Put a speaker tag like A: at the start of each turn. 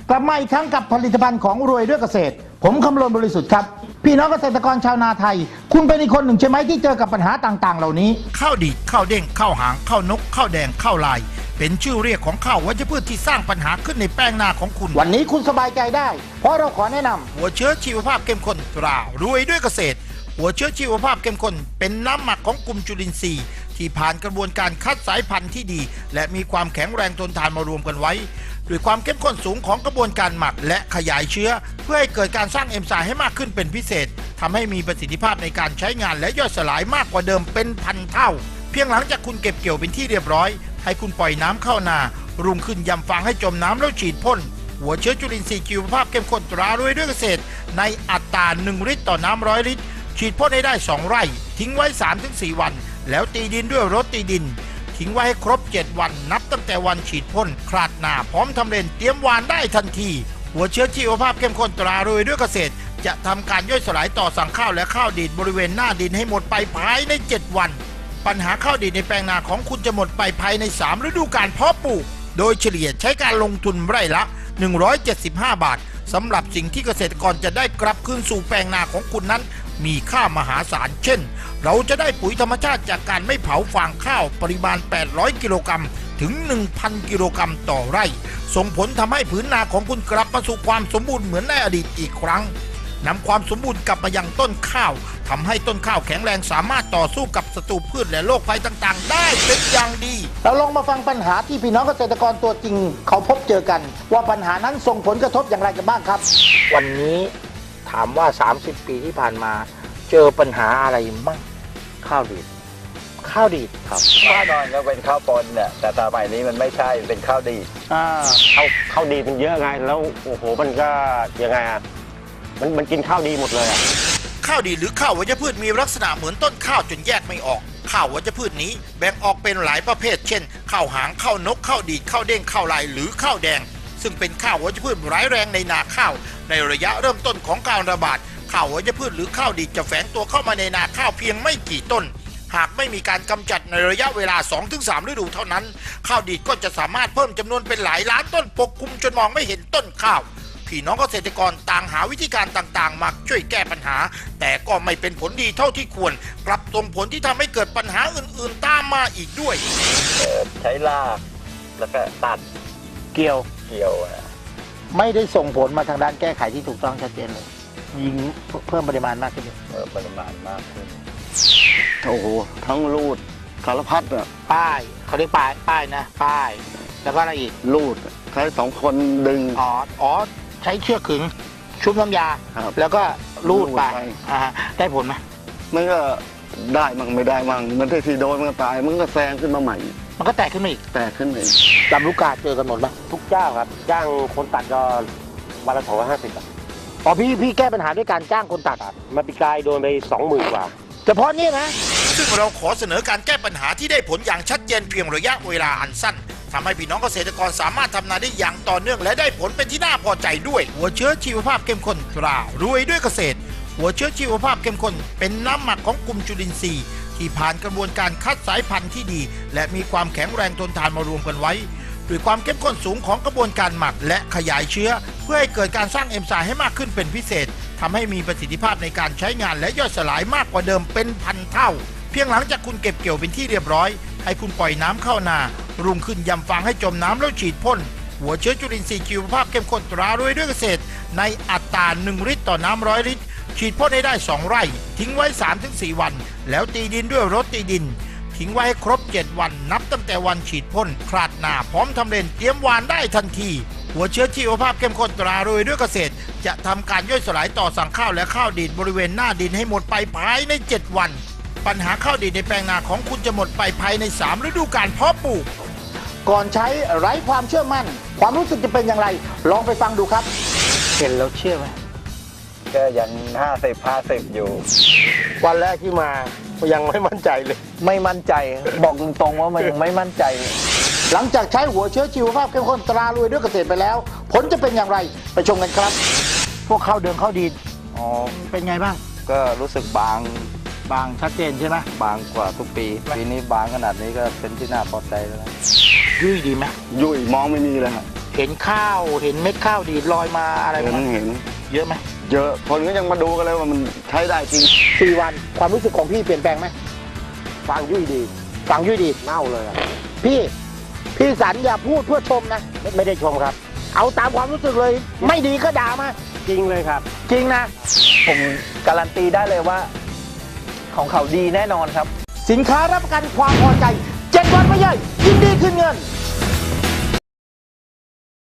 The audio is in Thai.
A: กลับมาอีกครั้งกับผลิตภัณฑ์ของรวยด้วยเกษตรผมคำรณบริสุทธิ์ครับพี่น้องเกษตรกรชาวนาไทยคุณเป็นอีกคนหนึ่งใช่ไหมที่เจอกับปัญหาต่างๆเหล่านี้
B: ข้าวดีดข้าวเด้งข้าวหางข้าวนกข้าวแดงข้าวลายเป็นชื่อเรียกของข้าววัชพืชที่สร้างปัญหาขึ้นในแป้งนาของคุณ
A: วันนี้คุณสบายใจได้เพราะเราขอแนะนำ
B: หัวเชื้อชีวภาพเข้มข้นตรารวยด้วยเกษตรหัวเชื้อชีวภาพเข้มข้นเป็นน้ำหมักของกลุ่มจุลินทรีย์ที่ผ่านกระบวนการคัดสายพันธุ์ที่ดีและมีความแข็งแรงทนทานมารวมกันไว้ด้วยความเข้มข้นสูงของกระบวนการหมักและขยายเชื้อเพื่อให้เกิดการสร้างเอนไซม์ให้มากขึ้นเป็นพิเศษทำให้มีประสิทธิภาพในการใช้งานและย่อยสลายมากกว่าเดิมเป็นพันเท่าเพียงหลังจากคุณเก็บเกี่ยวเป็นที่เรียบร้อยให้คุณปล่อยน้ำเข้านารุ่งขึ้นยำฟางให้จมน้ำแล้วฉีดพ่นหัวเชื้อจุลินทรีย์ชีวภาพเข้มข้นตรารวยด้วยเกษตรในอัตรา1 ลิตรต่อน้ำ100 ลิตรฉีดพ่นให้ได้2 ไร่ทิ้งไว้ 3-4 วันแล้วตีดินด้วยรถตีดินทิ้งไว้ให้ครบ7 วันนับตั้งแต่วันฉีดพ่นคลาดหน้าพร้อมทำเลนเตรียมหว่านได้ทันทีหัวเชื้อชีวภาพเข้มข้นตรารวยด้วยเกษตรจะทำการย่อยสลายต่อสั่งข้าวและข้าวดีดบริเวณหน้าดินให้หมดไปภายใน7 วันปัญหาข้าวดีดในแปลงนาของคุณจะหมดไปภายใน3 ฤดูกาลเพาะปลูกโดยเฉลี่ยใช้การลงทุนไร่ละ175 บาทสำหรับสิ่งที่เกษตรกรจะได้กลับคืนสู่แปลงนาของคุณนั้นมีค่ามหาศาลเช่นเราจะได้ปุ๋ยธรรมชาติจากการไม่เผาฟางข้าวปริมาณ800 กิโลกรัมถึง 1,000 กิโลกรัมต่อไร่ส่งผลทำให้ผืนนาของคุณกลับมาสู่ความสมบูรณ์เหมือนในอดีตอีกครั้งนำความสมบูรณ์กลับมายังต้นข้าวทำให้ต้นข้าวแข็งแรงสามารถต่อสู้กับศัตรูพืชและโรคภัยต่างๆได้เป็นอย่างดี
A: เราลองมาฟังปัญหาที่พี่น้องเกษตรกรตัวจริงเขาพบเจอกันว่าปัญหานั้นส่งผลกระทบอย่างไรกันบ้างครับวันนี้ถามว่า30 ปีที่ผ่านมาเจอปัญหาอะไรมั่งข้าวดีดครับ
C: แน่นอนก็เป็นข้าวปนเนี่ยแต่สมัยนี้มันไม่ใช่เป็นข้าวดีด
D: ข้าวดีมันเยอะไงแล้วโอ้โหมันก็ยังไงอ่ะมันกินข้าวดีหมดเลยอ่ะ
B: ข้าวดีหรือข้าววัชพืชมีลักษณะเหมือนต้นข้าวจนแยกไม่ออกข้าววัชพืชนี้แบ่งออกเป็นหลายประเภทเช่นข้าวหางข้าวนกข้าวดีดข้าวเด้งข้าวลายหรือข้าวแดงซึ่งเป็นข้าววัชพืชร้ายแรงในนาข้าวในระยะเริ่มต้นของการระบาดข้าววัชพืชหรือข้าวดีดจะแฝงตัวเข้ามาในนาข้าวเพียงไม่กี่ต้นหากไม่มีการกำจัดในระยะเวลา 2-3 ฤดูเท่านั้นข้าวดีดก็จะสามารถเพิ่มจำนวนเป็นหลายล้านต้นปกคลุมจนมองไม่เห็นต้นข้าวพี่น้องเกษตรกรต่างหาวิธีการต่างๆมาช่วยแก้ปัญหาแต่ก็ไม่เป็นผลดีเท่าที่ควรกลับส่งผลที่ทำให้เกิดปัญหาอื่นๆตามมาอีกด้วย
C: ใช้ลากแล้วก็ตัด
A: เกี่ยวไม่ได้ส่งผลมาทางด้านแก้ไขที่ถูกต้องชัดเจนเลยยิงเพิ่มปริมาณมากขึ้น
C: ปริมาณมากขึ้น
D: โอ้โหทั้งรูดสารพัดอ่ะ
A: ป้ายเขาเรียกป้ายนะป้ายแล้วก็อะไรอีก
D: รูดใช้2 คนดึง
A: ใช้เชือกขึงชุบน้ำยาแล้วก็รูดไปได้ผลไหม
D: มันก็ได้มั่งไม่ได้มั่งมันที่โดนมันก็ตายมันก็แซงขึ้นมาใหม่
A: มันก็แตกขึ้นมาอีกลำลูกกาเจอกันหมดไหม
D: ทุกเจ้าครับจ้างคนตัดก็วันละ250
A: พี่แก้ปัญหาด้วยการจ้างคนตัด
D: มาปีกายโดนไป20,000 กว่า
A: เฉพาะนี่นะ
B: ซึ่งเราขอเสนอการแก้ปัญหาที่ได้ผลอย่างชัดเจนเพียงระยะเวลาอันสั้นทำให้พี่น้องเกษตรกรสามารถทำนาได้อย่างต่อเนื่องและได้ผลเป็นที่น่าพอใจด้วยหัวเชื้อชีวภาพเข้มข้นตรารวยด้วยเกษตรหัวเชื้อชีวภาพเข้มข้นเป็นน้ำหมักของกลุ่มจุลินทรีย์ที่ผ่านกระบวนการคัดสายพันธุ์ที่ดีและมีความแข็งแรงทนทานมารวมกันไว้ด้วยความเข้มข้นสูงของกระบวนการหมักและขยายเชื้อเพื่อให้เกิดการสร้างเอนไซม์ให้มากขึ้นเป็นพิเศษทำให้มีประสิทธิภาพในการใช้งานและย่อยสลายมากกว่าเดิมเป็นพันเท่าเพียงหลังจากคุณเก็บเกี่ยวเป็นที่เรียบร้อยให้คุณปล่อยน้ำเข้านารุ่งขึ้นยำฟางให้จมน้ำแล้วฉีดพ่นหัวเชื้อจุลินทรีย์ชีวภาพเข้มข้นตรารวยด้วยเกษตรในอัตรา1 ลิตรต่อน้ำ100 ลิตรฉีดพ่นให้ได้2 ไร่ทิ้งไว้ 3-4 วันแล้วตีดินด้วยรถตีดินทิ้งไว้ให้ครบ7 วันนับตั้งแต่วันฉีดพ่นคลาดหน้าพร้อมทำเลนเตรียมหว่านได้ทันทีหัวเชื้อชีวภาพเข้มข้นตรารวยด้วยเกษตรจะทำการย่อยสลายต่อสั่งข้าวและข้าวดีดบริเวณหน้าดินให้หมดไปภายใน7 วันปัญหาข้าวดีดในแปลงนาของคุณจะหมดไปภายใน3 ฤดูกาลเพาะปลูก
A: ก่อนใช้ไร้ความเชื่อมั่นความรู้สึกจะเป็นอย่างไรลองไปฟังดูครับเห็นแล้วเชื่อไหม
C: ก็ยัง50 อยู่
A: วันแรกที่มายังไม่มั่นใจเลยไม่มั่นใจบอกตรงๆว่ามันยังไม่มั่นใจหลังจากใช้หัวเชื้อชีวภาพเข้มข้นตรารวยด้วยเกษตรไปแล้วผลจะเป็นอย่างไรไปชมกันครับพวกข้าวเดืองข้าวดีดเป็นไงบ้าง
C: ก็รู้สึกบาง
A: ชัดเจนใช่ไหม
C: บางกว่าทุกปีนี้บางขนาดนี้ก็เป็นที่น่าพอใจแล้ว
A: ยุ่ยดีไหม
D: ยุ่ยมองไม่มีเลยครับ
A: เห็นข้าวเห็นเม็ดข้าวดีดลอยมาอะไรไหม
C: เห็น
A: เยอะไหม
C: เยอะคนก็ยังมาดูกันเลยว่ามันใช้ได้จริง
A: 4 วันความรู้สึกของพี่เปลี่ยนแปลงไหม
D: ฟังยุ่ยดี
A: ฟังยุ่ยดี
D: เน่าเลยอะ
A: พี่สันอย่าพูดเพื่อชมนะ
D: ไม่ได้ชมครับ
A: เอาตามความรู้สึกเลย ไม่ดีก็ด่ามา
D: จริงเลยครับ
A: จริงนะ
E: ผมการันตีได้เลยว่าของเขาดีแน่นอนครับ
A: สินค้ารับประกันความพอใจ 7 วันไม่ย่อยยินดีคืนเงิน